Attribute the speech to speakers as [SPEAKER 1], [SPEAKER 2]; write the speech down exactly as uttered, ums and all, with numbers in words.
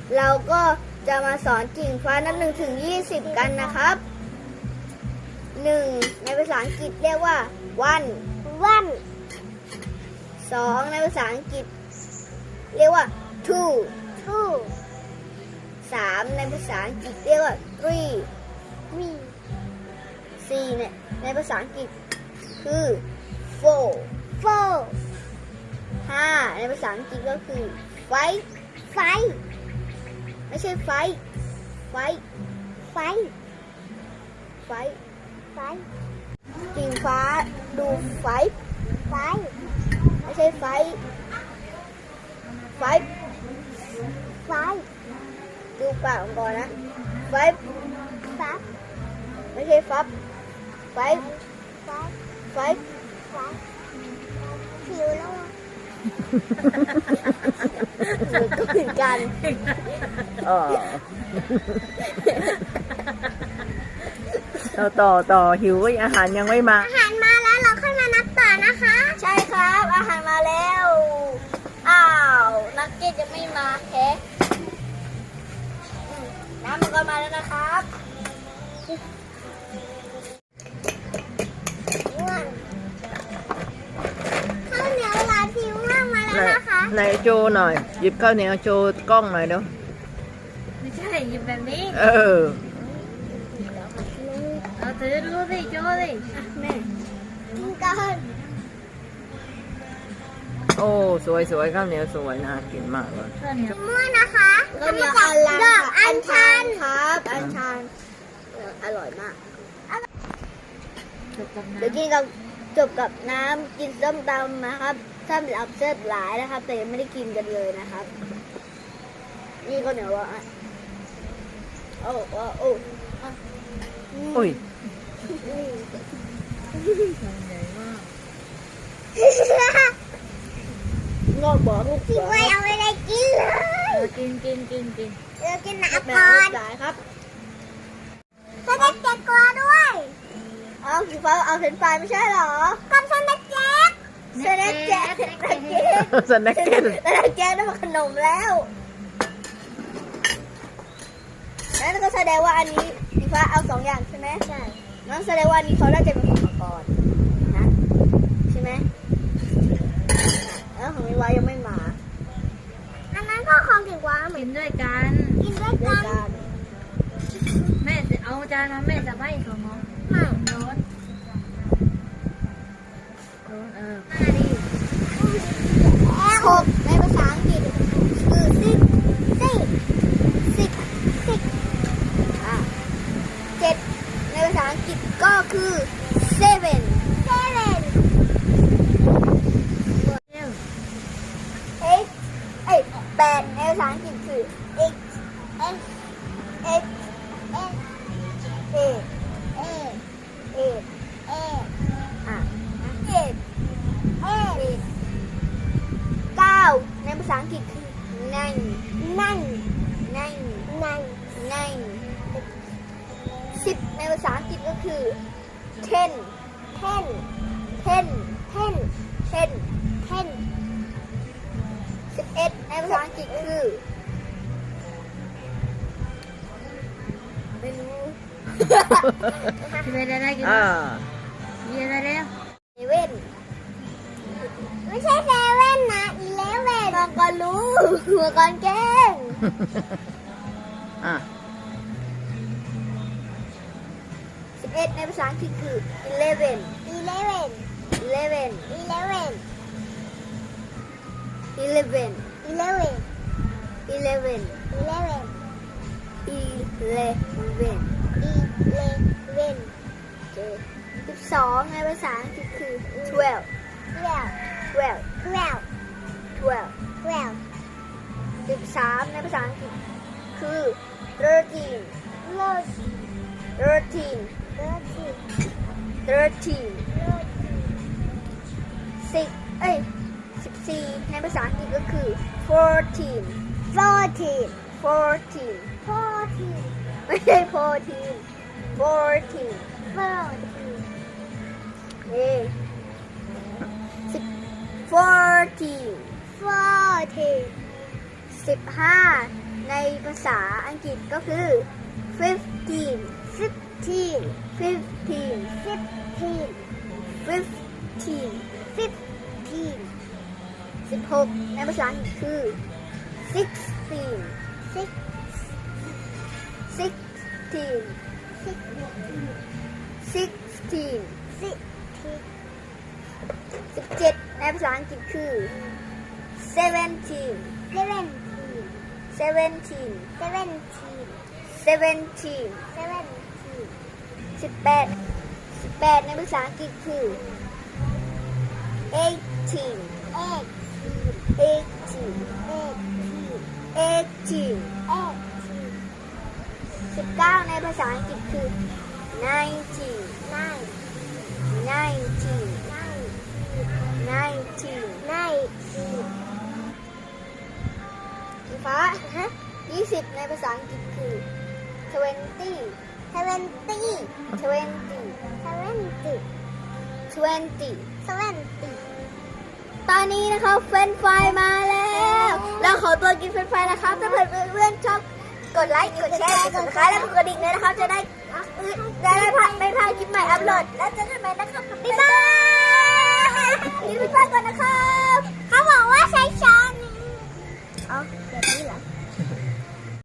[SPEAKER 1] เราก็จะมาสอนกิ่งฟ้านับหนึ่งถึงยี่สิบกันนะครับหนึ่งในภาษาอังกฤษเรียกว่า one one สองในภาษาอังกฤษเรียกว่า two two สามในภาษาอังกฤษเรียกว่า three three สี่ในในภาษาอังกฤษคือ four four ห้าในภาษาอังกฤษก็คือ five five ไม่ใช่ five five five five five กิ่งฟ้าดู five five ไม่ใช่ five five five ดูปากก่อนนะ five five ไม่ใช่ five five five five five ผิวแล้วมันก็เหมือนกัน
[SPEAKER 2] อ๋อต่อต่อต่อหิวก็อาหารยังไม่มา
[SPEAKER 3] อาหารมาแล้วเราค่อยมานับต่อนะคะ
[SPEAKER 1] ใช่ครับอาหารมาแล้วอ้าวนักเก็ตยังไม่มาแค่น้ำมันก็มาแล้วนะครับ
[SPEAKER 3] ง่วงข้าวเหนียวหลานผิวง่วงมาแล้วนะคะ
[SPEAKER 2] ไหนโจหน่อยหยิบข้าวเหนียวโจกล้องหน่อยเดี๋ยว
[SPEAKER 4] ไม่ใช่หยิบแบบนี้
[SPEAKER 2] เออ
[SPEAKER 4] เอาถือดูสิโจสิ
[SPEAKER 1] แม่
[SPEAKER 3] กินก่อน
[SPEAKER 2] โอ้สวยสวยข้าวเหนียวสวยน่ากินมากเลย
[SPEAKER 4] ข้าวเหนียว
[SPEAKER 3] ม่วงนะคะ
[SPEAKER 1] ก็มีอันลัง
[SPEAKER 3] ดอกอัญชัน
[SPEAKER 1] ครับอัญชันอร่อยมาก
[SPEAKER 4] จบกับน้ำ
[SPEAKER 1] เดี๋ยวกินกับจบกับน้ำกินส้มตำนะครับถ้าเป็นอับเซตหลายนะครับแต่ยังไม่ได้กินกันเลยนะครับนี่ก็เหนียวว่าโอ้โอ้โอ้
[SPEAKER 2] อุ้ย
[SPEAKER 4] ใหญ่มาก
[SPEAKER 1] งอกบอกลูก
[SPEAKER 3] พี่ไว้เอาไปเลยกินเลย
[SPEAKER 4] เออกินกินกินกิน
[SPEAKER 3] เดี๋ยวกินน้ำ
[SPEAKER 1] แม่
[SPEAKER 3] ก่อน
[SPEAKER 1] หลายครับ
[SPEAKER 3] สเต็กเจ็ดตัวด้วย
[SPEAKER 1] เอาสีฟ้าเอาเฟรนช์ฟรายไม่ใช่หรอ
[SPEAKER 3] กับสเต็กเจ็ด
[SPEAKER 1] เซเนตแจ๊สเซเนตแจ๊ส
[SPEAKER 2] สแน็คเก็ต
[SPEAKER 1] เซเนตแจ๊สนั่นมันขนมแล้วนั่นก็แสดงว่าอันนี้สีฟ้าเอาสองอย่างใช่ไหมใช่นั่นแสดงว่าอันนี้เขาได้จะเป็นของมาก่อนนะใช่ไหมแล้วของวิวายังไม่มา
[SPEAKER 3] อันนั้นก็ของกิ่งว้าเหมื
[SPEAKER 4] กิ
[SPEAKER 3] อน
[SPEAKER 4] นด้วยกัน
[SPEAKER 3] กินด้วย
[SPEAKER 1] ด้วย
[SPEAKER 3] กัน
[SPEAKER 1] กัน
[SPEAKER 4] แม่จะเอาจานมาแม่จะไม่ของน้อง
[SPEAKER 3] ไม่
[SPEAKER 4] โน้ตโน้ตเออมาดิ
[SPEAKER 1] หกในภาษาอังกฤษคือสิบ
[SPEAKER 3] สิบ
[SPEAKER 1] สิบ
[SPEAKER 3] สิบ
[SPEAKER 1] อ่ะเจ็ดในภาษาอังกฤษก็คือ seven
[SPEAKER 3] เซเว่น
[SPEAKER 4] เร็ว
[SPEAKER 1] eight เอ้ยแปดในภาษาอังกฤษคือ eight
[SPEAKER 3] eight
[SPEAKER 1] eight
[SPEAKER 3] eight
[SPEAKER 1] eight
[SPEAKER 3] eight
[SPEAKER 1] eight
[SPEAKER 3] eight
[SPEAKER 1] อ่ะ eight
[SPEAKER 3] eight
[SPEAKER 1] เก้าในภาษาอังกฤษคือ nine
[SPEAKER 3] nine
[SPEAKER 1] nine
[SPEAKER 3] nine
[SPEAKER 1] nine สิบในภาษาอังกฤษก็คือ ten
[SPEAKER 3] ten
[SPEAKER 1] ten
[SPEAKER 3] ten
[SPEAKER 1] ten
[SPEAKER 3] ten
[SPEAKER 1] สิบเอ็ดในภาษาอังกฤษคือไม่รู้
[SPEAKER 4] กินไปได้ได้กิน
[SPEAKER 2] อ่า
[SPEAKER 4] กินได้แล้ว
[SPEAKER 1] เซเว่น
[SPEAKER 3] ไม่ใช่เซเว่นนะอีเลเว่น
[SPEAKER 1] มังกรรู้มังกรแกล้ง
[SPEAKER 2] อ่ะ
[SPEAKER 1] สิบเอ็ดในภาษาอังกฤษคือ eleven
[SPEAKER 3] อีเลเว่น
[SPEAKER 1] eleven
[SPEAKER 3] อีเลเว่น
[SPEAKER 1] eleven
[SPEAKER 3] อีเลเว่น
[SPEAKER 1] eleven
[SPEAKER 3] อีเลเว่น
[SPEAKER 1] eleven
[SPEAKER 3] อีเลเว่น
[SPEAKER 1] สิบสองในภาษาอังกฤษคือ twelve
[SPEAKER 3] twelve
[SPEAKER 1] twelve
[SPEAKER 3] twelve
[SPEAKER 1] twelve
[SPEAKER 3] twelve
[SPEAKER 1] สิบสามในภาษาอังกฤษคือ thirteen thirteen
[SPEAKER 3] thirteen
[SPEAKER 1] thirteen สิบเอ้ยสิบสี่ในภาษาอังกฤษก็คือ fourteen
[SPEAKER 3] fourteen
[SPEAKER 1] fourteen
[SPEAKER 3] fourteen
[SPEAKER 1] ไม่ใช่ fourteen fourteen
[SPEAKER 3] fourteen
[SPEAKER 1] เอ้สิบ fourteen
[SPEAKER 3] fourteen
[SPEAKER 1] สิบห้าในในภาษาอังกฤษก็คือ fifteen fifteen fifteen
[SPEAKER 3] fifteen
[SPEAKER 1] fifteen
[SPEAKER 3] fifteen
[SPEAKER 1] สิบหกในภาษาอังกฤษคือ sixteen
[SPEAKER 3] six
[SPEAKER 1] sixteen sixteen
[SPEAKER 3] sixteen
[SPEAKER 1] สิบเจ็ดในภาษาอังกฤษคือ seventeen
[SPEAKER 3] seventeen
[SPEAKER 1] seventeen
[SPEAKER 3] seventeen
[SPEAKER 1] seventeen
[SPEAKER 3] seventeen
[SPEAKER 1] สิบแปดสิบแปดในภาษาอังกฤษคือ eighteen
[SPEAKER 3] eighteen
[SPEAKER 1] eighteen
[SPEAKER 3] eighteen
[SPEAKER 1] eighteen
[SPEAKER 3] eighteen
[SPEAKER 1] สิบเก้าในภาษาอังกฤษคือ nineteen
[SPEAKER 3] nine
[SPEAKER 1] nineteen
[SPEAKER 3] nine
[SPEAKER 1] nineteen
[SPEAKER 3] nineteen
[SPEAKER 1] สีฟ้ายี่สิบในภาษาอังกฤษคือ twenty
[SPEAKER 3] seventy
[SPEAKER 1] twenty
[SPEAKER 3] seventy
[SPEAKER 1] twenty
[SPEAKER 3] seventy
[SPEAKER 1] ตอนนี้นะครับเฟรนช์ฟรายมาแล้วเราขอตัวกินเฟรนช์ฟรายนะครับถ้าเพื่อนเพื่อนๆชอบกดไลค์กดแชร์กดซับสไครต์และกดกระดิ่งเลยนะครับจะได้ได้ไม่พลาดไม่พลาดคลิปใหม่อัปโหลดและจะ